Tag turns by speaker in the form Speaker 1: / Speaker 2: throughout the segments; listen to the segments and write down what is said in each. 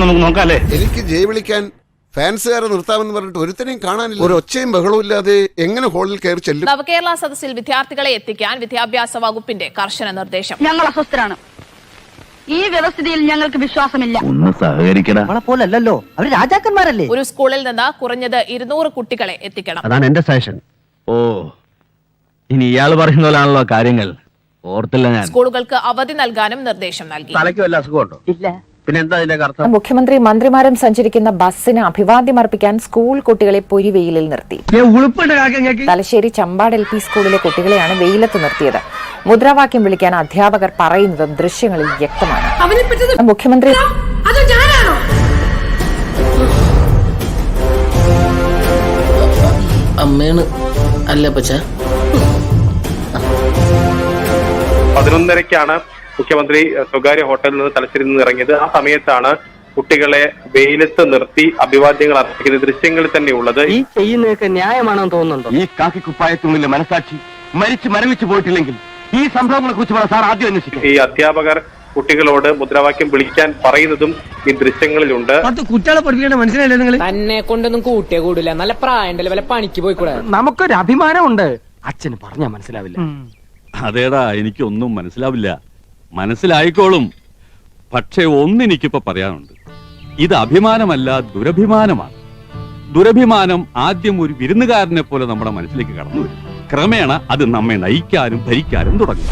Speaker 1: നമുക്ക് നോക്കാല്ലേ.
Speaker 2: എനിക്ക് ജയ് വിളിക്കാൻ ഫാൻസുകാരെ നിർത്താമെന്ന് പറഞ്ഞിട്ട് ഒരുത്തനെയും കാണാനില്ല. ഒരു ഒച്ചയും ബഹളവും ഇല്ലാതെ എങ്ങനെ ഹോളിൽ കയറി ചെല്ലും?
Speaker 3: നവകേരള സദസ്സിൽ വിദ്യാർത്ഥികളെ എത്തിക്കാൻ വിദ്യാഭ്യാസ വകുപ്പിന്റെ കർശന നിർദ്ദേശം.
Speaker 4: ഞങ്ങൾ അസ്വസ്ഥരാണ്. ഈ വ്യവസ്ഥിതിയിൽ ഞങ്ങൾക്ക് വിശ്വാസമില്ല.
Speaker 5: ഒന്ന് സഹകരിക്കണം.
Speaker 6: പോലല്ലോ, അവര് രാജാക്കന്മാരല്ലേ.
Speaker 3: ഒരു സ്കൂളിൽ നിന്ന് കുറഞ്ഞത് 200 കുട്ടികളെ എത്തിക്കണം.
Speaker 5: അതാണ് എന്റെ സജഷൻ. ഓ, ഇനി ഇയാള് പറയുന്ന പോലാണല്ലോ കാര്യങ്ങൾ. ഓർത്തില്ല ഞാൻ.
Speaker 3: സ്കൂളുകൾക്ക് അവധി നൽകാനും നിർദ്ദേശം നൽകി.
Speaker 5: തലയ്ക്ക് വല്ല അസുഖമുണ്ടോ? ഇല്ല. പിന്നെന്താ ഇതിന്റെ അർത്ഥം?
Speaker 7: മുഖ്യമന്ത്രി മന്ത്രിമാരും സഞ്ചരിക്കുന്ന ബസ്സിന് അഭിവാദ്യമർപ്പിക്കാൻ സ്കൂൾ കുട്ടികളെ പൊരിവെയിലിൽ നിർത്തി. തലശ്ശേരി ചമ്പാട് LP സ്കൂളിലെ കുട്ടികളെയാണ് വെയിലത്ത് നിർത്തിയത്. മുദ്രാവാക്യം വിളിക്കാൻ അധ്യാപകർ പറയുന്നതും ദൃശ്യങ്ങളിൽ വ്യക്തമാണ്. മുഖ്യമന്ത്രി
Speaker 6: അമ്മയാണ് അല്ല പച്ച
Speaker 8: 11:30-ക്കാണ് മുഖ്യമന്ത്രി സ്വകാര്യ ഹോട്ടലിൽ നിന്ന് തലശ്ശേരിയിൽ നിന്ന് ഇറങ്ങിയത്. ആ സമയത്താണ് കുട്ടികളെ വെയിലത്ത് നിർത്തി അഭിവാദ്യങ്ങൾ അർപ്പിക്കുന്ന ദൃശ്യങ്ങളിൽ തന്നെ ഉള്ളത്.
Speaker 6: ഈ ചെയ്യുന്നതൊക്കെ ന്യായമാണോ തോന്നുന്നുണ്ടോ?
Speaker 5: ഈ കാക്കിക്കുപ്പായത്തുള്ളിലെ മനസാക്ഷി മരിച്ചു മരവിച്ചു പോയിട്ടില്ലെങ്കിൽ ഈ സംഭവങ്ങളെ കുറിച്ച് സാർ ആദ്യം അന്വേഷിക്കും.
Speaker 8: ഈ അധ്യാപകർ കുട്ടികളോട് മുദ്രാവാക്യം വിളിക്കാൻ പറയുന്നതും ഈ ദൃശ്യങ്ങളിലുണ്ട്.
Speaker 6: കുട്ടികളെ പഠിപ്പിക്കേണ്ട മനസ്സിലായില്ലേ നിങ്ങൾ?
Speaker 9: തന്നെ കൊണ്ടൊന്നും കൂട്ടിയേ കൂടില്ല. നല്ല പ്രായണ്ടല്ലേ, വല്ല പണിക്ക് പോയിക്കൂടെ?
Speaker 6: നമുക്കൊരു അഭിമാനമുണ്ട്. അച്ഛന് പറഞ്ഞാ മനസ്സിലാവില്ല.
Speaker 1: അതേടാ, എനിക്കൊന്നും മനസ്സിലാവില്ല. മനസ്സിലായിക്കോളും. പക്ഷെ ഒന്നെനിക്കിപ്പോ പറയാനുണ്ട്. ഇത് അഭിമാനമല്ല, ദുരഭിമാനമാണ്. ദുരഭിമാനം ആദ്യം ഒരു വിരുന്നുകാരനെ പോലെ നമ്മുടെ മനസ്സിലേക്ക് കടന്നു വരും. ക്രമേണ അത് നമ്മെ നയിക്കാനും ഭരിക്കാനും തുടങ്ങും.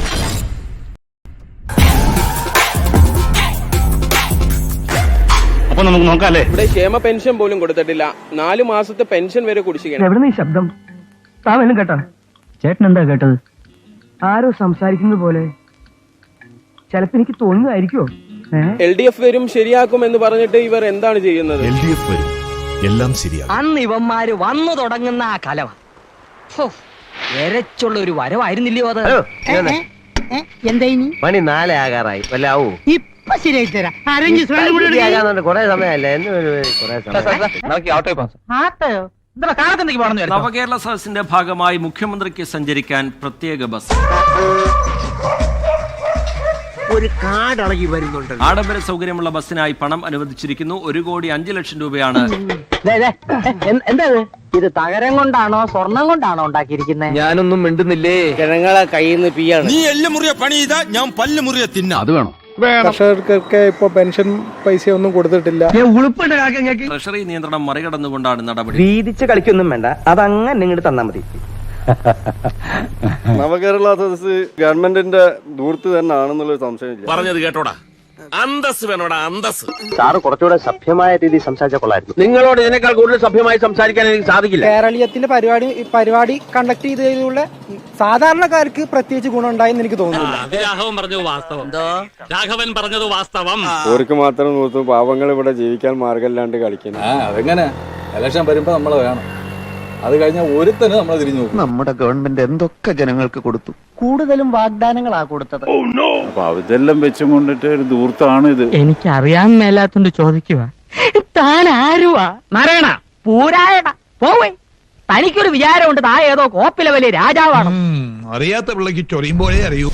Speaker 1: അപ്പൊ നമുക്ക് നോക്കാല്ലേ.
Speaker 9: ഇവിടെ ക്ഷേമ പെൻഷൻ പോലും കൊടുത്തിട്ടില്ല. 4 മാസത്തെ പെൻഷൻ വരെ കുടിശ്ശികയാണ്.
Speaker 6: എവിടെ ഈ ശബ്ദം? താൻ കേട്ടോ? ചേട്ടൻ എന്താ കേട്ടത്? ആരോ സംസാരിക്കുന്നത് പോലെ. ചിലപ്പോ എനിക്ക് തോന്നുന്നതായിരിക്കോ?
Speaker 9: LDF വരും ശരിയാക്കും എന്ന് പറഞ്ഞിട്ട് ഇവർ എന്താണ് ചെയ്യുന്നത്?
Speaker 1: LDF വരും, എല്ലാം ശരിയാകും.
Speaker 6: അന്ന് ഇവന്മാര് വന്നു തുടങ്ങുന്ന ആ കലവ എരച്ചുള്ള ഒരു വരവായിരുന്നില്ലയോ അത്? എന്താ മണി 4 ആകാറായി. വല്ലാവൂ ഇപ്പൊ ശരിയായി തരാം. കൊറേ സമയല്ലേ?
Speaker 10: നവകേരള സദസ്സിന്റെ ഭാഗമായി മുഖ്യമന്ത്രിക്ക് സഞ്ചരിക്കാൻ പ്രത്യേക ബസ്.
Speaker 6: ഒരു കാടളകി വരുന്നുണ്ട്.
Speaker 10: ആഡംബര സൗകര്യമുള്ള ബസ്സിനായി പണം അനുവദിച്ചിരിക്കുന്നു. 1,05,00,000 രൂപയാണ്.
Speaker 6: എന്താ ഇത്? തകരം കൊണ്ടാണോ സ്വർണം കൊണ്ടാണോ ഉണ്ടാക്കിയിരിക്കുന്നത്?
Speaker 5: ഞാനൊന്നും മിണ്ടുന്നില്ലേ.
Speaker 6: ജനങ്ങളെ കയ്യിൽ നിന്ന് പിയാണ്.
Speaker 11: നീ എല്ല് മുറിയ പണി ചെയ്താ ഞാൻ പല്ല് മുറിയ തിന്ന.
Speaker 5: അത് വേണം.
Speaker 12: കർഷകർക്കൊക്കെ ഇപ്പൊ പെൻഷൻ പൈസ ഒന്നും കൊടുത്തിട്ടില്ല.
Speaker 10: ട്രഷറി നിയന്ത്രണം മറികടന്നുകൊണ്ടാണ് നടപടി.
Speaker 6: വീതിച്ച് കളിക്കൊന്നും വേണ്ട, അതങ്ങനെ നിങ്ങോട്ട് തന്നാ മതി.
Speaker 12: നവകേരള സദസ് ഗവൺമെന്റിന്റെ ദൂർത്ത് തന്നെ ആണെന്നുള്ളൊരു സംശയമില്ല.
Speaker 11: പറഞ്ഞത് കേട്ടോടാ, അന്തസ് വേണോടാ, അന്തസ്.
Speaker 5: സാറ് കുറച്ചുകൂടെ സഭ്യമായ രീതിയിൽ സംസാരിച്ചാൽ കൊള്ളായിരുന്നു. നിങ്ങളോട് ഇതിനേക്കാൾ കൂടുതൽ സഭ്യമായി സംസാരിക്കാൻ എനിക്ക് സാധിക്കില്ല.
Speaker 9: കേരളീയത്തിന്റെ പരിപാടി കണ്ടക്ട് ചെയ്തതിലൂടെ സാധാരണക്കാർക്ക് പ്രത്യേകിച്ച് ഗുണം ഉണ്ടായെന്ന് എനിക്ക് തോന്നുന്നില്ല.
Speaker 10: രാഘവൻ പറഞ്ഞത് വാസ്തവം. രാഘവൻ പറഞ്ഞത് വാസ്തവം.
Speaker 12: അവർക്ക് മാത്രം നോക്കും, പാവങ്ങൾ ഇവിടെ ജീവിക്കാൻ മാർഗമില്ലാണ്ട് കളിക്കുന്നു.
Speaker 1: അതെങ്ങനെ? ഇലക്ഷൻ വരുമ്പോ നമ്മള് വേണം. അത് കഴിഞ്ഞാൽ ഒരുത്തന് നമ്മൾ തിരിഞ്ഞു നോക്കും.
Speaker 5: നമ്മുടെ ഗവൺമെന്റ് എന്തൊക്കെ ജനങ്ങൾക്ക് കൊടുത്തു.
Speaker 6: കൂടുതലും വാഗ്ദാനങ്ങളാ കൊടുത്തത്.
Speaker 12: അപ്പൊ അതെല്ലാം വെച്ചും കൊണ്ടിട്ട് ഒരു ദൂർത്താണ് ഇത്.
Speaker 6: എനിക്കറിയാൻ മേലാത്തോണ്ട് ചോദിക്കുക, താൻ ആരുവാ? നാരായണ പൂരായണ പോവേ. തനിക്കൊരു വിചാരമുണ്ട് താ ഏതോ കോപ്പിലെ വലിയ രാജാവാണ്.
Speaker 11: അറിയാത്ത പിള്ളക്ക് ചൊറിയുമ്പോഴേ അറിയൂ.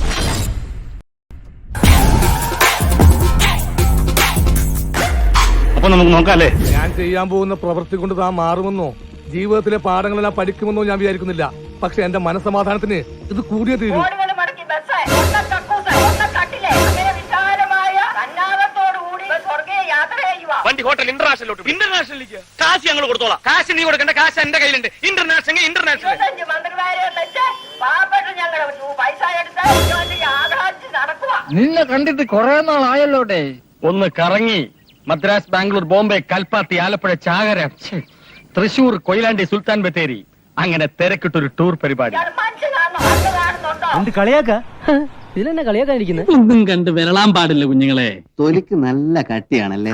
Speaker 1: അപ്പൊ നമുക്ക് നോക്കാല്ലേ.
Speaker 12: ഞാൻ ചെയ്യാൻ പോകുന്ന പ്രവൃത്തി കൊണ്ട് താൻ മാറുമെന്നോ ജീവിതത്തിലെ പാഠങ്ങളെല്ലാം പഠിക്കുമെന്നോ ഞാൻ വിചാരിക്കുന്നില്ല. പക്ഷെ എന്റെ മനസ്സമാധാനത്തിന് ഇത് കൂടിയേ തീരൂ.
Speaker 11: വണ്ടി ഹോട്ടൽ ഇന്റർനാഷണലിലേക്ക് കാശ് ഞങ്ങൾ കൊടുത്തോളാം. കാശ് നീ കൊടുക്കേണ്ട, കാശ് എന്റെ കയ്യിലുണ്ട്. ഇന്റർനാഷണൽ
Speaker 6: നിന്നെ കണ്ടിട്ട് കുറെ നാളായല്ലോട്ടെ. ഒന്ന് കറങ്ങി മദ്രാസ്, ബാംഗ്ലൂർ, ബോംബെ, കൽപ്പാത്തി, ആലപ്പുഴ, ചാകര, തൃശൂർ, കൊയിലാണ്ടി, സുൽത്താൻ ബത്തേരി, അങ്ങനെ തിരക്കിട്ടൊരു ടൂർ പരിപാടി.
Speaker 9: ഇതിലെന്നെ കളിയാക്കാനിരിക്കുന്നത്?
Speaker 6: ഒന്നും കണ്ട് വിരളാൻ പാടില്ല കുഞ്ഞുങ്ങളെ.
Speaker 5: തൊലിക്ക് നല്ല കട്ടിയാണല്ലേ.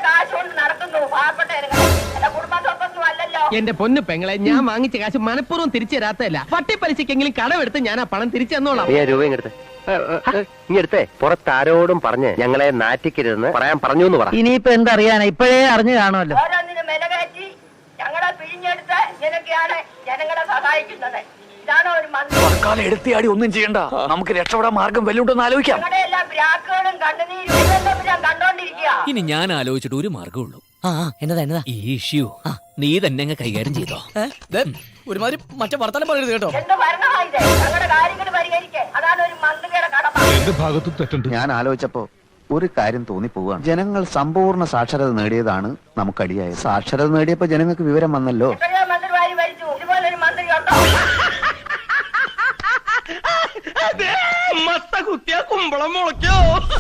Speaker 9: എന്റെ പൊന്നു പെങ്ങളെ, ഞാൻ വാങ്ങിച്ച കാശ് മനഃപൂർവ്വം തിരിച്ചു തരാത്തല്ല. പട്ടിപ്പലിശക്കെങ്കിലും കടമെടുത്ത് ഞാൻ ആ പണം തിരിച്ചു തന്നോളാം.
Speaker 5: രൂപ ഇങ്ങെടുത്തേ. പുറത്താരോടും പറഞ്ഞ് ഞങ്ങളെ നാറ്റിക്കരുതെന്ന് പറയാൻ പറഞ്ഞു എന്ന് പറ.
Speaker 6: ഇനിയിപ്പോ എന്തറിയാനാ? ഇപ്പോഴേ അറിഞ്ഞു കാണുമല്ലോ.
Speaker 4: ഞങ്ങളെ പിഴിഞ്ഞെടുത്ത് ജനങ്ങളെ സഹായിക്കുന്നത് ഇതാണോ ഒരു മന്ത്രി?
Speaker 11: തൽക്കാലം എടുത്തിയാടി ഒന്നും ചെയ്യണ്ട, നമുക്ക് രക്ഷപ്പെടാൻ മാർഗം വല്ലുണ്ടെന്ന് ആലോചിക്കാം.
Speaker 4: നിങ്ങളുടെ എല്ലാ ബ്രാക്കുകളും കണ്ണുനീരും ഇതെല്ലാം ഞാൻ കണ്ടോണ്ടിരിക്കുക.
Speaker 11: ഇനി ഞാൻ ആലോചിച്ചിട്ട് ഒരു മാർഗമുള്ളൂ. എന്നതാ ഈ ഇഷ്യൂ നീ തന്നെ അങ്ങ് കൈകാര്യം ചെയ്തോ. ഒരുമാതിരി മറ്റേ വർത്തമാനം പറയരുത് കേട്ടോ.
Speaker 4: എന്ത് ഭരണമായത്? ഞങ്ങളുടെ കാര്യങ്ങൾ പരിഹരിക്കാൻ അതാണ് ഒരു മന്ത്രിയുടെ കടമ.
Speaker 12: എന്റെ ഭാഗത്തും തെറ്റുണ്ട്.
Speaker 5: ഞാൻ ആലോചിച്ചപ്പോ ഒരു കാര്യം തോന്നിപ്പോവാണ്. ജനങ്ങൾ സമ്പൂർണ്ണ സാക്ഷരത നേടിയതാണ് നമുക്കടിയായത്. സാക്ഷരത നേടിയപ്പോ ജനങ്ങൾക്ക് വിവരം വന്നല്ലോ.
Speaker 4: എത്രയോ മന്ത്രിമാര് ഭരിച്ചു, ഇതുപോലൊരു മന്ത്രി ഉണ്ടോ?
Speaker 11: മത്ത കുത്തിയ കുമ്പളം മുളയ്ക്കോ.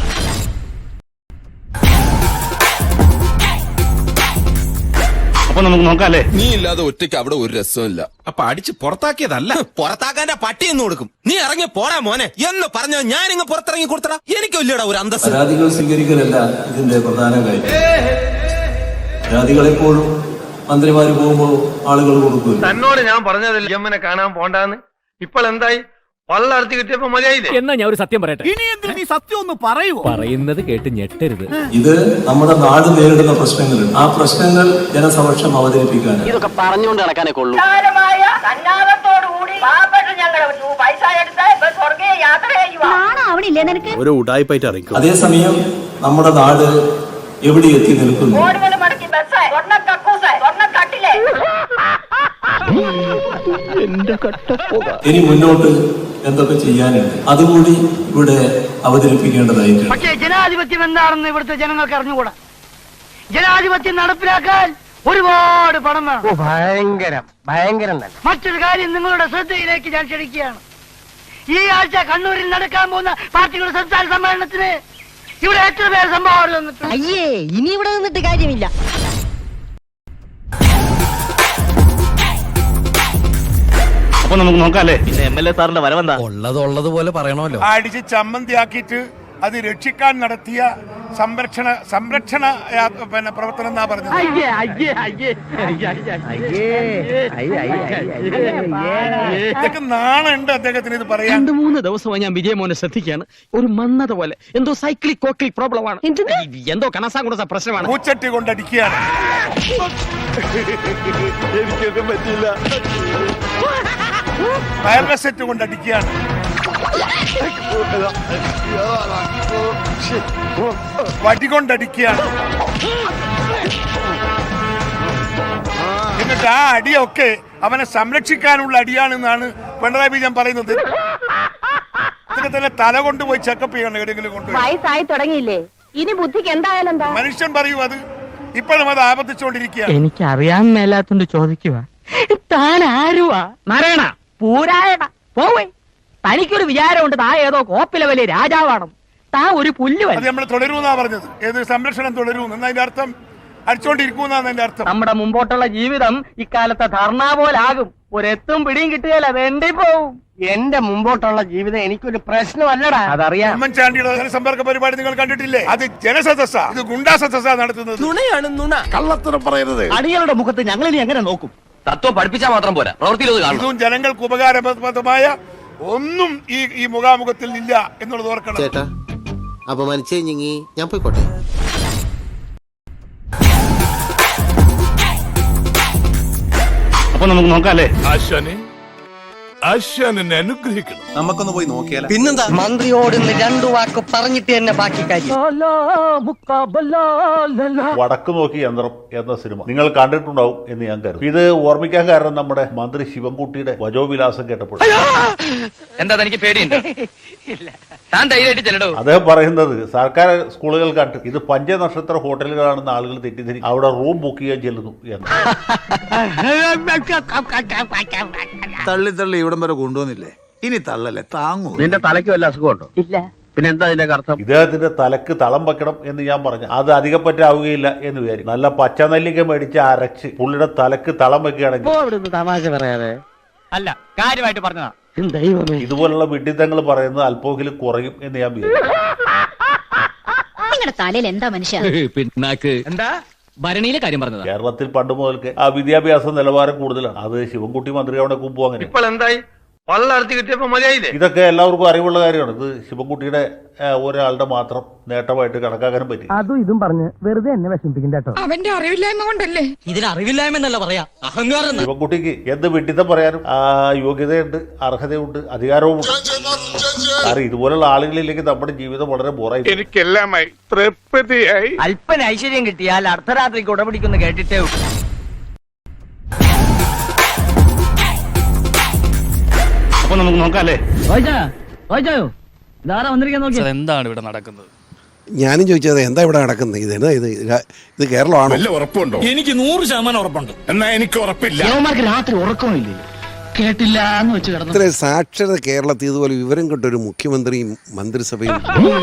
Speaker 5: അപ്പൊ നമുക്ക് നോക്കാല്ലേ.
Speaker 13: നീ ഇല്ലാതെ ഒറ്റയ്ക്ക് അവിടെ ഒരു രസമില്ല. അപ്പൊ അടിച്ച് പുറത്താക്കിയതല്ല, പുറത്താക്കാന്റെ പട്ടി എന്ന് കൊടുക്കും. നീ ഇറങ്ങി പോടാ മോനെ എന്ന് പറഞ്ഞോ. ഞാനിങ്ങ് പുറത്തിറങ്ങി കൊടുത്തടാ. എനിക്കില്ലടാ ഒരു അന്തസ്സ്.
Speaker 14: പരാതികൾ സ്വീകരിക്കലല്ല ഇതിന്റെ പ്രധാന കാര്യം. പരാതികളെപ്പോഴും മന്ത്രിമാര് പോകുമ്പോ ആളുകൾ കൊടുക്കും.
Speaker 11: തന്നോട് ഞാൻ പറഞ്ഞതല്ലേ എമ്മനെ കാണാൻ പോണ്ടാന്ന്. ഇപ്പോൾ എന്തായി? പള്ളർത്തി കിട്ടിയപ്പോ മതിയായില്ലേ? എന്നാ ഞാൻ ഒരു സത്യം പറയട്ടെ. ഇനി എന്തിനാ നീ സത്യം ഒന്ന് പറയൂ? പറയുന്നത് കേട്ട് ഞെട്ടരുത്.
Speaker 14: ഇത് നമ്മുടെ നാട് നേരിടുന്ന പ്രശ്നങ്ങളുണ്ട്. ആ പ്രശ്നങ്ങൾ ജനസമക്ഷം അവതരിപ്പിക്കാൻ
Speaker 11: ഇതൊക്കെ പറഞ്ഞുകൊണ്ട് നടക്കാനേ കൊള്ളൂ.
Speaker 4: വിശാലമായ സന്നാഹത്തോടുകൂടി പാവപ്പെട്ട ഞങ്ങളുടെ പൈസ എടുത്ത് സ്വർഗീയ യാത്ര ചെയ്യുക.
Speaker 13: ഒരു ഉടായിപ്പായിട്ട് അറിയിക്കും.
Speaker 14: അതേസമയം നമ്മുടെ നാട് എവിടെ എത്തി നിൽക്കുന്നു?
Speaker 4: കോടികൾ മടക്കി ബസ്, സ്വർണ്ണ കക്കൂസ്, സ്വർണ്ണ കട്ടില്.
Speaker 14: ഇനി മുന്നോട്ട് എന്തൊക്കെ ചെയ്യാനുണ്ട് അതുകൂടി ഇവിടെ അവതരിപ്പിക്കേണ്ടതായിട്ടുണ്ട്.
Speaker 4: പക്ഷേ ജനാധിപത്യം എന്താണെന്ന് ഇവിടുത്തെ ജനങ്ങൾക്ക് അറിഞ്ഞുകൂടാ. ജനാധിപത്യം നടപ്പിലാക്കാൻ ഒരുപാട് പണം വേണം.
Speaker 5: ഭയങ്കരം
Speaker 4: മറ്റൊരു കാര്യം നിങ്ങളുടെ ശ്രദ്ധയിലേക്ക് ഞാൻ ക്ഷണിക്കുകയാണ്. ഈ ആഴ്ച കണ്ണൂരിൽ നടക്കാൻ പോകുന്ന പാർട്ടികളുടെ സംസ്ഥാന സമ്മേളനത്തിന് ഇവിടെ എത്ര പേർ സംഭാവന തന്നിട്ടുണ്ട്? അയ്യേ, ഇനി ഇവിടെ നിന്നിട്ട് കാര്യമില്ല.
Speaker 5: അപ്പൊ നമുക്ക് നോക്കാല്ലേ.
Speaker 11: MLA സാറിന്റെ വരവെന്താ?
Speaker 12: ഉള്ളതുപോലെ പറയണമല്ലോ.
Speaker 13: അടിച്ച് ചമ്മന്തിയാക്കിയിട്ട് അത് രക്ഷിക്കാൻ നടത്തിയ സംരക്ഷണ പ്രവർത്തനം എന്നാ പറഞ്ഞത്. ഇതൊക്കെ നാണുണ്ട് അദ്ദേഹത്തിന് ഇത് പറയാൻ.
Speaker 11: 2-3 ദിവസമായി ഞാൻ വിജയമോനെ ശ്രദ്ധിക്കുകയാണ്. ഒരു മന്നത പോലെ എന്തോ സൈക്ലിക് കോക്ലിക് പ്രോബ്ലം ആണ്. എന്തോ കണസാങ്കുണ പ്രശ്നമാണ്.
Speaker 13: പൂച്ചട്ടി കൊണ്ടടിക്കുകയാണ്. എനിക്കൊന്നും പറ്റില്ല. വയർലെസ് സെറ്റ് കൊണ്ടടിക്കുകയാണ്. വടികൊണ്ടടിക്കുകയാണ്. എന്നിട്ട് ആ അടിയൊക്കെ അവനെ സംരക്ഷിക്കാനുള്ള അടിയാണെന്നാണ് പിണറായി വിജയൻ പറയുന്നത്. ഇതൊക്കെ തന്നെ തല കൊണ്ടുപോയി ചെക്കപ്പ് ചെയ്യണം എവിടെയെങ്കിലും കൊണ്ടുപോയി.
Speaker 4: വയസ്സായി തുടങ്ങിയില്ലേ, ഇനി ബുദ്ധിക്ക് എന്തായാലും എന്താ?
Speaker 13: മനുഷ്യൻ പറയൂ, അത് ഇപ്പോഴും അത് ആവർത്തിച്ചുകൊണ്ടിരിക്കുകയാണ്.
Speaker 11: എനിക്ക് അറിയാൻ മേലാത്തോണ്ട് ചോദിക്കുക, താൻ ആരുവാ? നാരായണ പൂരായണ പോവേ. തനിക്കൊരു വിചാരമുണ്ട് താ ഏതോ കോപ്പിലെ വലിയ രാജാവാണ്. താ ഒരു പുല്ല്.
Speaker 13: അത് നമ്മൾ തുടരുമെന്നാ പറഞ്ഞത്. ഏത് സംരക്ഷണം തുടരും എന്നതിന്റെ അർത്ഥം അടിച്ചോണ്ടിരിക്കുമെന്നാണ് അതിന്റെ അർത്ഥം.
Speaker 11: നമ്മുടെ മുമ്പോട്ടുള്ള ജീവിതം ഇക്കാലത്തെ ധർണ പോലാകും. ഒരെത്തും പിടിയും കിട്ടുകയല്ല, വേണ്ടി പോവും. എന്റെ മുമ്പോട്ടുള്ള ജീവിതം എനിക്കൊരു പ്രശ്നമല്ലടാ, അതറിയാം.
Speaker 13: ഉമ്മൻചാണ്ടിയുടെ ജനസമ്പർക്ക പരിപാടി നിങ്ങൾ കണ്ടിട്ടില്ലേ? അത് ജനസദസ്സാ, ഇത് ഗുണ്ടാ സദസ്സാ നടത്തുന്നത്.
Speaker 11: നുണയാണ് നുണ.
Speaker 13: കള്ളത്തരം പറയരുത്.
Speaker 11: അടികളുടെ മുഖത്ത് ഞങ്ങൾ ഇനി എങ്ങനെ നോക്കും? തത്വം പഠിപ്പിച്ചാൽ മാത്രം പോരാ, പ്രവൃത്തിയിലത് കാണും.
Speaker 13: ഇതും ജനങ്ങൾക്ക് ഉപകാരപ്രദമായ ഒന്നും ഈ മുഖാമുഖത്തിൽ ഇല്ല എന്നുള്ളത് ഓർക്കണം.
Speaker 15: ചേട്ടാ അപമാനിച്ചേ ഞാൻ പോയിക്കോട്ടെ.
Speaker 5: അപ്പൊ നമുക്ക് നോക്കാല്ലേ.
Speaker 12: ആശാനെ അനുഗ്രഹിക്കണം.
Speaker 15: നമുക്കൊന്ന് പോയി നോക്കിയാലോ? പിന്നെന്താ?
Speaker 11: മന്ത്രിയോട് 2 വാക്ക് പറഞ്ഞിട്ട് തന്നെ ബാക്കി കാര്യം.
Speaker 16: വടക്ക് നോക്കി യന്ത്രം എന്ന സിനിമ നിങ്ങൾ കണ്ടിട്ടുണ്ടാവും എന്ന് ഞാൻ കരുതുന്നു. ഇത് ഓർമ്മിക്കാൻ കാരണം നമ്മുടെ മന്ത്രി ശിവൻകുട്ടിയുടെ വജോവിലാസം കേട്ടപ്പോൾ.
Speaker 11: എന്താ തനിക്ക് പേടിയുണ്ട്? താൻ ധൈര്യമായിട്ട് ചെല്ലടോ.
Speaker 16: അദ്ദേഹം പറയുന്നത് സർക്കാർ സ്കൂളുകൾ കണ്ട് ഇത് പഞ്ചനക്ഷത്ര ഹോട്ടലുകളാണെന്ന് ആളുകൾ തെറ്റിദ്ധരിക്കും, അവിടെ റൂം ബുക്ക് ചെയ്യാൻ ചെല്ലുന്നു എന്ന്.
Speaker 15: തള്ളി ഇവിടം വരെ കൊണ്ടുവന്നില്ലേ, ഇനി തള്ളല്ലേ താങ്ങൂ.
Speaker 5: നിന്റെ തലയ്ക്ക് വല്ല അസുഖമുണ്ടോ?
Speaker 11: ഇല്ല.
Speaker 5: പിന്നെ എന്താ ഇതിന്റെ അർത്ഥം?
Speaker 16: ഇദ്ദേഹത്തിന്റെ തലക്ക് തളം വെക്കണം എന്ന് ഞാൻ പറഞ്ഞു. അത് അധികം പറ്റാവുകയില്ല എന്ന് വിചാരിക്കും. നല്ല പച്ചനെല്ലിക്ക മേടിച്ച് അരച്ച് പുള്ളിയുടെ തലക്ക് തളം വെക്കുകയാണെങ്കിൽ.
Speaker 11: തമാശ പറയാതെ അല്ല, കാര്യമായിട്ട് പറഞ്ഞതാ. ദൈവമേ,
Speaker 16: ഇതുപോലുള്ള വിഡിത്തങ്ങൾ പറയുന്നത് അല്പമെങ്കിലും കുറയും എന്ന് ഞാൻ വിചാരിക്കും.
Speaker 4: നിങ്ങളുടെ തലയിൽ എന്താ മനുഷ്യ?
Speaker 11: പിന്നാക്ക് എന്താ ഭരണിയിലെ കാര്യം പറഞ്ഞതാ.
Speaker 16: കേരളത്തിൽ പണ്ട് മുതൽക്ക് ആ വിദ്യാഭ്യാസ നിലവാരം കൂടുതലാണ്. അത് ശിവൻകുട്ടി മന്ത്രിയാവണ മുമ്പും അങ്ങനെ.
Speaker 11: ഇപ്പോൾ എന്തായി?
Speaker 15: പള്ളർത്തി കിട്ടിയപ്പോ മതിയായില്ലേ?
Speaker 16: ഇതൊക്കെ എല്ലാവർക്കും അറിവുള്ള കാര്യമാണ്. ഇത് ശിവൻകുട്ടിയുടെ ഒരാളുടെ മാത്രം നേട്ടമായിട്ട് കണക്കാക്കാനും പറ്റി.
Speaker 11: അതും ഇതും പറഞ്ഞ് വെറുതെ എന്നെ വിഷമിപ്പിക്കണ്ട കേട്ടോ.
Speaker 4: അവന്റെ അറിവില്ലായ്മ കൊണ്ടല്ലേ?
Speaker 11: ഇതിന് അറിവില്ലായ്മ എന്നല്ല പറയാ, അഹങ്കാരം.
Speaker 16: ശിവൻകുട്ടിക്ക് എന്ത് വിഡിത്തം പറയാനും യോഗ്യതയുണ്ട്, അർഹതയുണ്ട്, അധികാരവും ഉണ്ട്. കാരണം ഇതുപോലുള്ള ആളുകളില്ലെങ്കിൽ നമ്മുടെ ജീവിതം വളരെ ബോറായി.
Speaker 12: എനിക്കെല്ലാമായി തൃപ്തിയായി.
Speaker 11: അല്പന ഐശ്വര്യം കിട്ടിയാൽ അർദ്ധരാത്രിക്ക് ഉടപിടിക്കുന്നു കേട്ടിട്ടേ.
Speaker 6: അപ്പൊ നമുക്ക് നോക്കാല്ലേ?
Speaker 10: എന്താണ് ഇവിടെ നടക്കുന്നത്?
Speaker 2: ഞാനും ചോദിച്ചത് എന്താ ഇവിടെ നടക്കുന്നത്, ഇത് കേരളമാണോ?
Speaker 13: ഉറപ്പുണ്ടോ? എനിക്ക് 100% ഉറപ്പുണ്ട്. എന്നാ എനിക്ക് ഉറപ്പില്ല.
Speaker 11: രാത്രി ഉറക്കമില്ലേ? കേട്ടില്ല എന്ന് വെച്ച് കിടന്നു.
Speaker 2: ഇത്ര സാക്ഷരത കേരളത്തിൽ ഇതുപോലെ വിവരം കിട്ട ഒരു മുഖ്യമന്ത്രിയും മന്ത്രിസഭയും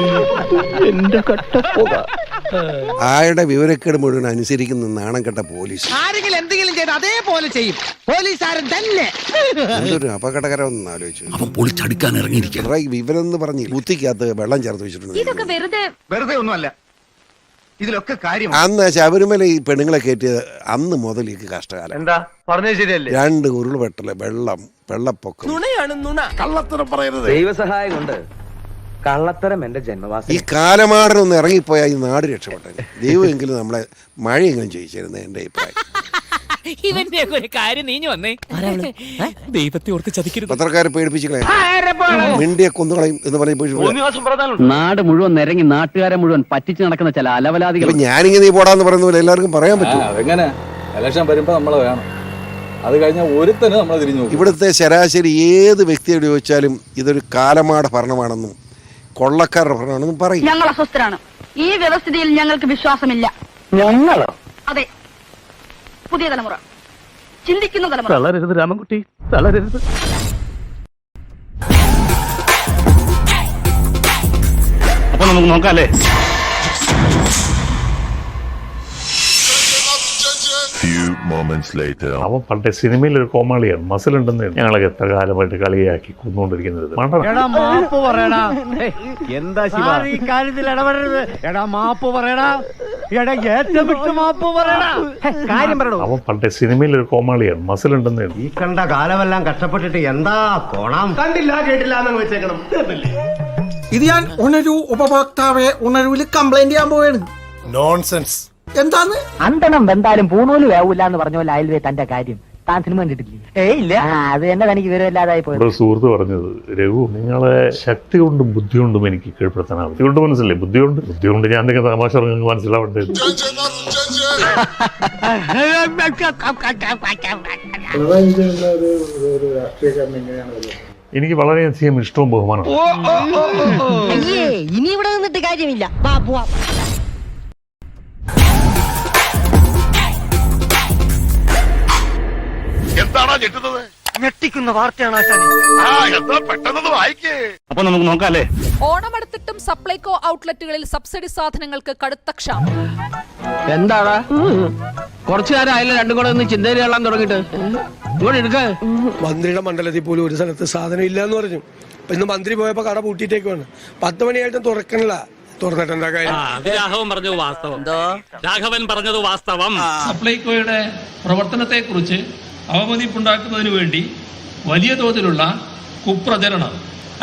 Speaker 2: ആയുടെ വിവരക്കേട് മുഴുവൻ അനുസരിക്കുന്ന നാണം കെട്ട പോലീസ്.
Speaker 11: ആരെങ്കിലും എന്തെങ്കിലും ചെയ്ത് അതേപോലെ ചെയ്യും പോലീസുകാരൻ തന്നെ.
Speaker 2: എന്തൊരു അപകടകരമെന്ന് ആലോചിച്ചു. പൊളിച്ചടുക്കാൻ ഇറങ്ങിയിരിക്കുക. വിവരം എന്ന് പറഞ്ഞ് കുത്തിക്കകത്ത് വെള്ളം ചേർത്ത് വെച്ചിട്ടുണ്ട്.
Speaker 4: ഇതൊക്കെ
Speaker 5: വെറുതെ ഒന്നുമല്ല, ഇതിലൊക്കെ കാര്യം.
Speaker 2: അന്ന് ശബരിമല ഈ പെണ്ണുങ്ങളെ കയറ്റിയത് അന്ന് മുതൽ ഈ കഷ്ടകാലം.
Speaker 15: എന്താ പറഞ്ഞത് ശരിയല്ലേ?
Speaker 2: 2 ഉരുൾപൊട്ടല്, വെള്ളപ്പൊക്കം.
Speaker 15: കള്ളത്തരം പറയരുത്.
Speaker 5: ദൈവസഹായം കൊണ്ട് കള്ളത്തരം എന്റെ ജന്മവാസി.
Speaker 2: ഈ കാലമാടനൊന്ന് ഇറങ്ങിപ്പോയാൽ ഈ നാട് രക്ഷപ്പെട്ടെ. ദൈവമെങ്കിലും നമ്മളെ മഴയെങ്കിലും ചെയ്യിച്ചിരുന്നത് എന്റെ അഭിപ്രായം.
Speaker 11: ഇവന്റെ ഒരു കാര്യം നീഞ്ഞു വന്നേ. ദൈവത്തെ ഓർത്ത് ചതിക്കരുത്.
Speaker 2: പത്രക്കാരെ പേടിപ്പിച്ചില്ലേ, മിണ്ടിയെ കൊന്നുകളയും എന്ന് പറഞ്ഞ
Speaker 6: നാട് മുഴുവൻ നിരങ്ങി നാട്ടുകാരെ മുഴുവൻ പറ്റിച്ച് നടക്കുന്ന ചില അലവലാദികൾ.
Speaker 2: ഞാനിങ്ങനെ നീ പോടാന്ന് പറയുന്ന പോലെ എല്ലാവർക്കും പറയാൻ പറ്റും.
Speaker 14: അതെങ്ങനെ ഇലക്ഷൻ വരുമ്പോ നമ്മളെ വേണം, അത് കഴിഞ്ഞാൽ ഒരുത്തന് നമ്മളെ തിരിഞ്ഞു.
Speaker 2: ഇവിടുത്തെ ശരാശരി ഏത് വ്യക്തിയോട് ചോദിച്ചാലും ഇതൊരു കാലമാട ഭരണമാണെന്നും കൊള്ളക്കാരുടെ ഭരണമാണെന്നും പറയും.
Speaker 4: ഞങ്ങൾ അസ്വസ്ഥരാണ്. ഈ വ്യവസ്ഥിതിയിൽ ഞങ്ങൾക്ക് വിശ്വാസമില്ല.
Speaker 11: ഞങ്ങളോ?
Speaker 4: അതെ, പുതിയ തലമുറ, ചിന്തിക്കുന്ന തലമുറ.
Speaker 6: തളരരുത് രാമൻകുട്ടി, തളരരുത്. അപ്പൊ നമുക്ക് നോക്കാല്ലേ?
Speaker 12: അവൻ പണ്ടേ സിനിമയിൽ ഒരു കോമാളിയാണ്, മസിലുണ്ടെന്ന് ഞങ്ങളൊക്കെ എത്ര കാലമായിട്ട് കളിയാക്കി കൊന്നുകൊണ്ടിരിക്കുന്നത്.
Speaker 11: മാപ്പ് പറയടാ. എന്താ ഈ കാര്യത്തിൽ ഇടപെടരുത്. എടാ മാപ്പ് പറയടാ. എടാ ഏറ്റവും വിട്ട് മാപ്പ് പറയടാ. കാര്യം പറയണോ?
Speaker 12: അവൻ പണ്ടേ സിനിമയിൽ ഒരു കോമാളിയാണ്, മസിലുണ്ടെന്ന്.
Speaker 15: ഈ കണ്ട കാലമെല്ലാം കഷ്ടപ്പെട്ടിട്ട് എന്താ കോണം? കണ്ടില്ല കേട്ടില്ല എന്ന് വെച്ചേക്കണം.
Speaker 9: ഇത് ഞാൻ ഉണരൂ ഉപഭോക്താവെ ഉണരൂല് കംപ്ലൈന്റ് ചെയ്യാൻ പോവാണ്.
Speaker 15: നോൺസെൻസ്.
Speaker 9: എന്താന്ന്
Speaker 11: അന്തണം വെന്താലും പൂണൂല് വേവൂല എന്ന് പറഞ്ഞ പോലെ അയൽവേ തന്റെ കാര്യം. താൻ സിനിമ കണ്ടിട്ടില്ലേ? ഇല്ല. അത് തന്നെ തനിക്ക് വിവരമില്ലാതായി പോയത്.
Speaker 12: സുഹൃത്ത് പറഞ്ഞത്, രഘു നിങ്ങളെ ശക്തി കൊണ്ടും ബുദ്ധി കൊണ്ടും എനിക്ക് കീഴ്പ്പെടുത്താനാവും. ബുദ്ധി കൊണ്ട് മനസ്സിലേ, ബുദ്ധി കൊണ്ട് ഞാൻ എന്തെങ്കിലും തമാശ നിങ്ങൾക്ക് മനസ്സിലാവേണ്ടത്. എനിക്ക് വളരെയധികം ഇഷ്ടവും ബഹുമാനവും.
Speaker 11: ഇനി ഇവിടെ നിന്നിട്ട് കാര്യമില്ല.
Speaker 15: എന്താണോ ഞെട്ടുന്നത്?
Speaker 11: ഞെട്ടിക്കുന്ന വാർത്തയാണ്.
Speaker 15: പെട്ടെന്ന് വായിക്കേ.
Speaker 6: അപ്പൊ നമുക്ക് നോക്കാല്ലേ?
Speaker 3: ഓണമെടുത്തിട്ടും സപ്ലൈകോ ഔട്ട്ലെറ്റുകളിൽ സബ്സിഡി സാധനങ്ങൾക്ക് കടുത്ത ക്ഷാമം.
Speaker 11: എന്താടാ കുറച്ചു നേരം ആയാലും രണ്ടും കൂടെ ഒന്ന് ചിന്തയിൽ കൊള്ളാൻ തുടങ്ങിട്ട് ഇങ്ങോട്ട് എടുക്ക.
Speaker 9: മന്ത്രിയുടെ മണ്ഡലത്തിൽ പോലും ഒരു സ്ഥലത്ത് സാധനം ഇല്ല എന്ന് പറഞ്ഞു. ഇന്ന് മന്ത്രി പോയപ്പോ കട പൂട്ടിയിട്ടേക്കാണ്. 10 മണിയായിട്ടും തുറക്കണില്ല. തുറന്നിട്ട് എന്താ കാര്യം?
Speaker 6: രാഘവൻ പറഞ്ഞത് വാസ്തവം. രാഘവൻ പറഞ്ഞത് വാസ്തവം. സപ്ലൈകോയുടെ പ്രവർത്തനത്തെ കുറിച്ച് അവമതിപ്പുണ്ടാക്കുന്നതിന് വേണ്ടി വലിയ തോതിലുള്ള കുപ്രചരണം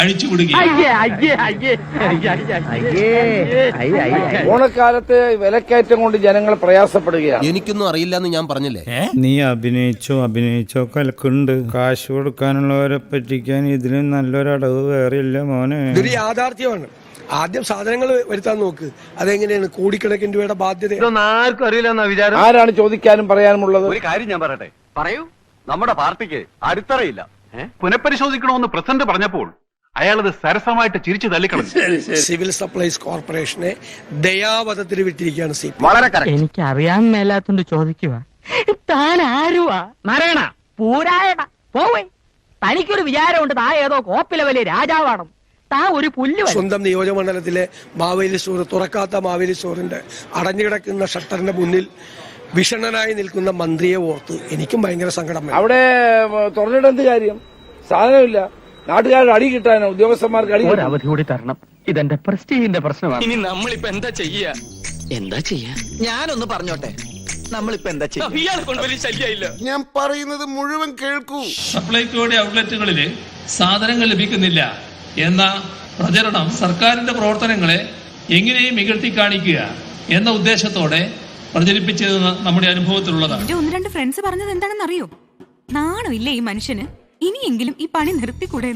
Speaker 9: ഓണക്കാലത്ത് വിലക്കയറ്റം കൊണ്ട് ജനങ്ങൾ പ്രയാസപ്പെടുകയാണ്.
Speaker 13: എനിക്കൊന്നും അറിയില്ല എന്ന് ഞാൻ പറഞ്ഞില്ലേ?
Speaker 14: നീ അഭിനയിച്ചോ കലക്കുണ്ട്. കാശ് കൊടുക്കാനുള്ളവരെ പറ്റിക്കാൻ ഇതിലും നല്ലൊരടവ് വേറെ ഇല്ല മോനെ.
Speaker 9: ഇതൊരു യാഥാർത്ഥ്യമാണ്. ആദ്യം സാധനങ്ങൾ വരുത്താൻ നോക്ക്. അതെങ്ങനെയാണ്? കോടിക്കണക്കിന് രൂപയുടെ ബാധ്യത.
Speaker 15: ആർക്കും അറിയില്ല വിചാരം.
Speaker 9: ആരാണ് ചോദിക്കാനും പറയാനുമുള്ളത്?
Speaker 5: ഒരു കാര്യം ഞാൻ പറയട്ടെ. പറയൂ. നമ്മുടെ പാർട്ടിക്ക് അടിത്തറയില്ല.
Speaker 6: പുനഃപരിശോധിക്കണമെന്ന് പ്രസിഡന്റ് പറഞ്ഞപ്പോൾ അയാളത് സരസമായിട്ട് ചിരിച്ചു തള്ളിക്കളഞ്ഞു.
Speaker 9: സിവിൽ സപ്ലൈസ് കോർപ്പറേഷനെ ദയാവധത്തിന് വിട്ടിരിക്കുകയാണ് സി.
Speaker 5: വളരെ
Speaker 11: എനിക്ക് അറിയാൻ മേലാത്തോണ്ട് ചോദിക്കുക. താൻ ആരുവാ? മരണ പൂരായണ പോവേ. തനിക്കൊരു വിചാരമുണ്ട് താ ഏതോ കോപ്പിലെ വലിയ രാജാവാണ്. താ ഒരു പുല്ല്.
Speaker 9: സ്വന്തം നിയോജകമണ്ഡലത്തിലെ മാവേലി സ്റ്റോർ, തുറക്കാത്ത മാവേലി സ്റ്റോറിന്റെ അടഞ്ഞുകിടക്കുന്ന ഷട്ടറിന്റെ മുന്നിൽ വിഷണ്ണനായി നിൽക്കുന്ന മന്ത്രിയെ ഓർത്ത് എനിക്കും ഭയങ്കര സങ്കടം. അവിടെ തുറന്നിട്ടെന്ത് കാര്യം? സാധനമില്ല. നാട്ടുകാരുടെ അടി കിട്ടാനോ ഉദ്യോഗസ്ഥന്മാർക്ക് അടി?
Speaker 11: ഒരു അവധി കൂടി തരണം. ഇതെന്റെ പ്രസ്റ്റീജിന്റെ പ്രശ്നമാണ്.
Speaker 6: ഇനി നമ്മളിപ്പോ എന്താ ചെയ്യാ?
Speaker 11: ഞാനൊന്ന് പറഞ്ഞോട്ടെ. നമ്മളിപ്പോ എന്താ ചെയ്യുക?
Speaker 6: ഇയാളെ കൊണ്ട് വലിയ ശല്യമില്ല.
Speaker 2: ഞാൻ പറയുന്നത് മുഴുവൻ കേൾക്കൂ.
Speaker 6: സപ്ലൈകോയുടെ ഔട്ട്ലെറ്റുകളില്
Speaker 17: സാധനങ്ങൾ ലഭിക്കുന്നില്ല എന്ന പ്രചരണം സർക്കാരിന്റെ പ്രവർത്തനങ്ങളെ എങ്ങനെയും ഇകഴ്ത്തി കാണിക്കുക എന്ന ഉദ്ദേശത്തോടെ പ്രചരിപ്പിച്ചത് നമ്മുടെ അനുഭവത്തിലുള്ളതാണ്.
Speaker 18: എന്റെ 1-2 ഫ്രണ്ട്സ് പറഞ്ഞത് എന്താണെന്ന് അറിയോ? നാണോ ഇല്ല ഈ മനുഷ്യന്, ഇനിയെങ്കിലും ഈ പണി നിർത്തിക്കൂടെ?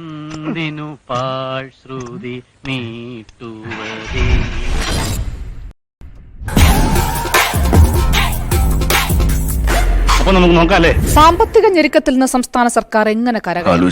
Speaker 6: അപ്പൊ നമുക്ക് നോക്കാല്ലേ.
Speaker 3: സാമ്പത്തിക ഞെരുക്കത്തിൽ നിന്ന് സംസ്ഥാന സർക്കാർ എങ്ങനെ കരകയറും?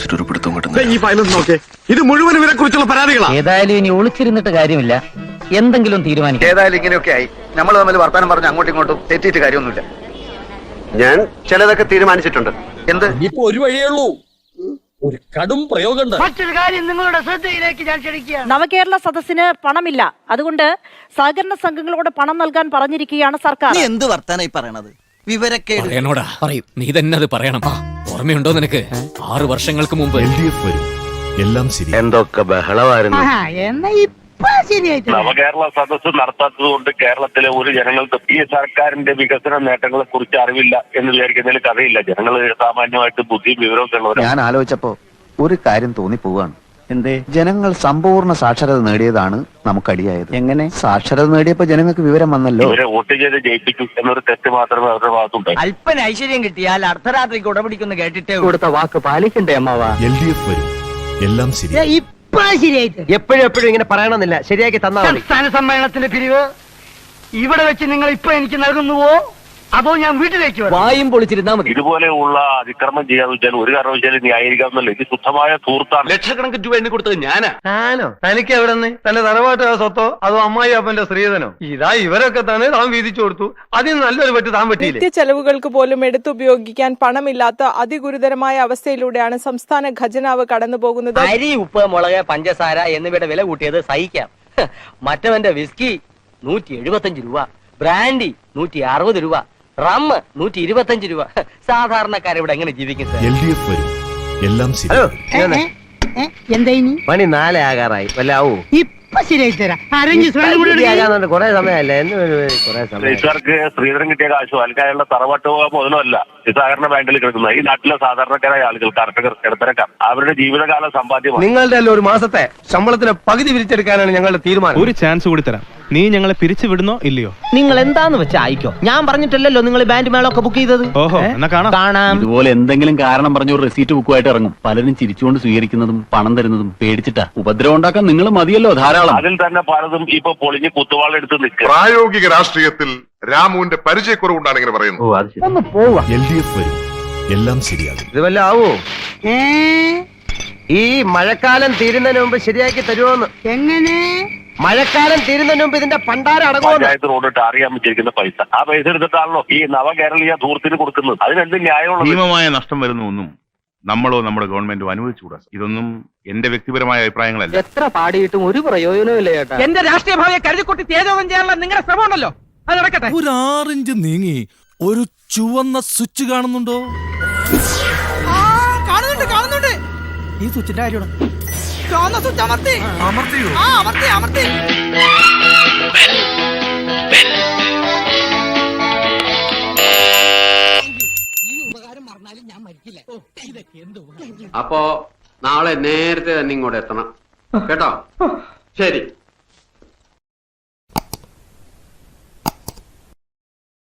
Speaker 15: ഇത് മുഴുവൻ ഇവരെ കുറിച്ചുള്ള പരാതികളാണ്.
Speaker 11: ഏതായാലും ഇനി ഒളിച്ചിരുന്നിട്ട് കാര്യമില്ല, എന്തെങ്കിലും തീരുമാനിക്കാം.
Speaker 5: ഏതായാലും ഇങ്ങനെയൊക്കെ ആയി നമ്മൾ തമ്മിൽ വർത്താനം പറഞ്ഞ് അങ്ങോട്ടും ഇങ്ങോട്ടും തെറ്റിയിട്ട് കാര്യമൊന്നുമില്ല. ഞാൻ ചിലതൊക്കെ തീരുമാനിച്ചിട്ടുണ്ട്. എന്ത്?
Speaker 6: ഇപ്പൊ ഒരു വഴിയേ ഉള്ളൂ, ഒരു കടും പ്രയോഗമുണ്ട്.
Speaker 4: മറ്റൊരു കാര്യം നിങ്ങളുടെ ശ്രദ്ധയിലേക്ക് ഞാൻ ക്ഷണിക്കുകയാണ്.
Speaker 11: നവകേരള സദസ്സിന് പണമില്ല, അതുകൊണ്ട് സഹകരണ സംഘങ്ങളോട് പണം നൽകാൻ പറഞ്ഞിരിക്കുകയാണ് സർക്കാർ.
Speaker 15: എന്ത് വർത്താനായി പറയണത്? വിവരക്കേട്
Speaker 6: പറയും. നീ തന്നെ അത് പറയണം. ഓർമ്മയുണ്ടോ നിനക്ക്? 6 വർഷങ്ങൾക്ക് മുമ്പ്
Speaker 13: എല്ലാം ശരി.
Speaker 5: എന്തൊക്കെ ബഹളമായിരുന്നു.
Speaker 4: എന്നാ ഇപ്പൊ ശരിയായിട്ട്
Speaker 8: നവകേരള സദസ്സ് നടത്താത്തത് കൊണ്ട് കേരളത്തിലെ ഒരു ജനങ്ങൾക്ക് ഈ സർക്കാരിന്റെ വികസന നേട്ടങ്ങളെ കുറിച്ച് അറിവില്ല എന്ന് വിചാരിക്കുന്നതിൽ കഥയില്ല. ജനങ്ങൾ സാമാന്യമായിട്ട് ബുദ്ധിയും വിവരമൊക്കെ ഉള്ളവരാണ്.
Speaker 5: ഞാൻ ആലോചിച്ചപ്പോ ഒരു കാര്യം തോന്നിപ്പോവാണ്. എന്തേ? ജനങ്ങൾ സമ്പൂർണ്ണ സാക്ഷരത നേടിയതാണ് നമുക്കടിയായത്. എങ്ങനെ? സാക്ഷരത നേടിയപ്പോ ജനങ്ങൾക്ക് വിവരം വന്നല്ലോ.
Speaker 8: ഇവരെ വോട്ട് ചെയ്ത് ജയിപ്പിക്കും എന്നൊരു തെറ്റ് മാത്രമേ അവരുടെ ഭാഗത്തുണ്ടായി.
Speaker 11: അല്പന ഐശ്വര്യം കിട്ടിയാൽ അർദ്ധരാത്രിക്ക് ഉടപിടിക്കുന്ന കേട്ടിട്ടേ കൊടുത്ത വാക്ക് പാലിക്കണ്ടേ അമ്മാവാ?
Speaker 13: എല്ലാം ശരി.
Speaker 4: ഇപ്പൊ ശരിയായിട്ട്
Speaker 15: എപ്പോഴും ഇങ്ങനെ പറയണമെന്നില്ല, ശരിയാക്കി തന്നാ മതി.
Speaker 4: സംസ്ഥാന സമ്മേളനത്തിന്റെ പിരിവ് ഇവിടെ വെച്ച് നിങ്ങൾ ഇപ്പൊ എനിക്ക് നൽകുന്നുവോ അതോ ഞാൻ വീട്ടിലേക്ക് വരാം?
Speaker 11: വായും പൊളിച്ചിരുന്നാ മതി.
Speaker 8: ഇതുപോലെയുള്ള അതിക്രമം ചെയ്യാന്ന് വെച്ചാൽ ഒരു കാരണവശാലും ന്യായീകരിക്കാമെന്നല്ല. ഇത് ശുദ്ധമായ ധൂർത്താണ്.
Speaker 6: ലക്ഷക്കണക്കിന് രൂപ എണ്ണി കൊടുത്തത് ഞാനാ.
Speaker 15: ഞാനോ? തനിക്ക് എവിടെ നിന്ന്? തന്റെ തറവാട്ട് സ്വത്തോ അതോ അമ്മായി അപ്പന്റെ സ്ത്രീധനോ? ഇതാ ഇവരൊക്കെ തന്നെ താൻ വീതിച്ചു കൊടുത്തു, അതിന് നല്ലൊരു പറ്റ് താൻ പറ്റിയില്ലേ?
Speaker 18: നിത്യ ചെലവുകൾക്ക് പോലും എടുത്തുപയോഗിക്കാൻ പണമില്ലാത്ത അതിഗുരുതരമായ അവസ്ഥയിലൂടെയാണ് സംസ്ഥാന ഖജനാവ് കടന്നുപോകുന്നത്.
Speaker 11: അരി, ഉപ്പ്, മുളക്, പഞ്ചസാര എന്നിവയുടെ വില കൂട്ടിയത് സഹിക്കാം. മറ്റവന്റെ വിസ്കി 175 രൂപ, ബ്രാൻഡി 160 രൂപ, റമ്മ് 125 രൂപ. സാധാരണക്കാരിവിടെ എങ്ങനെ ജീവിക്കും സാർ?
Speaker 13: എല്ലാം ശരി.
Speaker 4: എന്താ ഇനി?
Speaker 15: മണി 4 ആകാറായി. വല്ലാവൂ
Speaker 4: ഇപ്പൊ ശരിയായി തരാം.
Speaker 15: കൊറേ സമയമല്ലേ? കൊറേ സമയം.
Speaker 8: ഇവർക്ക് സ്ത്രീധനം കിട്ടിയ കാശോ അല്ലെങ്കിൽ അയാളുടെ തറവാട്ട് മുതലല്ല സഹകരണ ബാങ്കിൽ കിടക്കുന്ന ഈ നാട്ടിലെ സാധാരണക്കാരായ ആളുകൾ, കർഷകർ, ഇടത്തരക്കാർ, അവരുടെ ജീവിതകാല സമ്പാദ്യമാണ്.
Speaker 15: നിങ്ങളുടെ ഒരു മാസത്തെ ശമ്പളത്തിന് പകുതി പിരിച്ചെടുക്കാനാണ് ഞങ്ങളുടെ തീരുമാനം.
Speaker 6: ഒരു ചാൻസ് കൂടി തരാം. നീ ഞങ്ങളെ പിരിച്ചു വിടുന്നോ ഇല്ലയോ?
Speaker 11: നിങ്ങൾ എന്താന്ന് വെച്ചാ ആയിക്കോ. ഞാൻ പറഞ്ഞിട്ടല്ലോ നിങ്ങൾ ബാൻഡ് മേളൊക്കെ ബുക്ക് ചെയ്തത്.
Speaker 6: ഓഹോ, എന്നാ
Speaker 11: കാണാം.
Speaker 5: ഇതുപോലെ എന്തെങ്കിലും കാരണം പറഞ്ഞ ഒരു റെസീറ്റ് ബുക്കുമായിട്ട് ഇറങ്ങും. പലരും ചിരിച്ചുകൊണ്ട് സ്വീകരിക്കുന്നതും പണം തരുന്നതും പേടിച്ചിട്ടാ. ഉപദ്രവം ഉണ്ടാക്കാൻ നിങ്ങൾ മതിയല്ലോ ധാരാളം.
Speaker 8: അതിൽ തന്നെ പലതും ഇപ്പൊ പൊളിഞ്ഞ് കുത്തുവാളെടുത്ത് നിൽക്കുക.
Speaker 19: പ്രായോഗിക രാഷ്ട്രീയത്തിൽ രാമുവിന്റെ പരിചയക്കുറവുകൊണ്ടാണ് ഇങ്ങനെ പറയുന്നത്.
Speaker 11: ഒന്ന് പോവാ.
Speaker 13: എല്ലാം ശരിയാകും.
Speaker 15: ഇത് വല്ല ആവോ? ഈ മഴക്കാലം തീരുന്നതിന് മുമ്പ് ശരിയാക്കി തരുമോന്ന്?
Speaker 4: എങ്ങനെ?
Speaker 15: മഴക്കാലം തീരുന്നതിന് മുമ്പ് ഇതിന്റെ പണ്ടാരം അടങ്ങുമോ?
Speaker 8: പഞ്ചായത്ത് റോഡ് ടാറിയാൻ വെച്ചിരിക്കുന്ന പൈസ, ആ പൈസ എടുത്തിട്ടാണല്ലോ ഈ നവകേരളീയ ധൂർത്തിന് കൊടുക്കുന്നത്. അതിനെന്ത് ന്യായമുള്ളത്?
Speaker 19: ഭീമമായ നഷ്ടം വരുന്ന ഒന്നും നമ്മളോ നമ്മുടെ ഗവൺമെന്റോ അനുവദിച്ചുകൂടാ. ഇതൊന്നും എന്റെ വ്യക്തിപരമായ അഭിപ്രായങ്ങളല്ല.
Speaker 11: എത്ര പാടിയിട്ടും ഒരു പ്രയോജനവും ചേട്ടാ. എന്റെ രാഷ്ട്രീയ ഭാവിയെ കരുതിക്കുട്ടി തേജോധം ചെയ്യാനുള്ള നിങ്ങളുടെ ശ്രമം ഉണ്ടല്ലോ, അത് നടക്കട്ടെ.
Speaker 13: ഒരു 6 ഇഞ്ച് നീങ്ങി ഒരു ചുവന്ന സ്വിച്ച് കാണുന്നുണ്ടോ?
Speaker 11: കാണുന്നുണ്ട്. ഈ സ്വിച്ചിന്റെ കാര്യമാണ്. ചുവന്ന സ്വിച്ച് അമർത്തിയോ? അമർത്തി.
Speaker 15: ഈ ഉപകാരം മറന്നാലും ഞാൻ മരിക്കില്ല. ഇതൊക്കെ എന്തോ.
Speaker 20: അപ്പോ നാളെ നേരത്തെ തന്നെ ഇങ്ങോട്ട് എത്തണം കേട്ടോ. ശരി.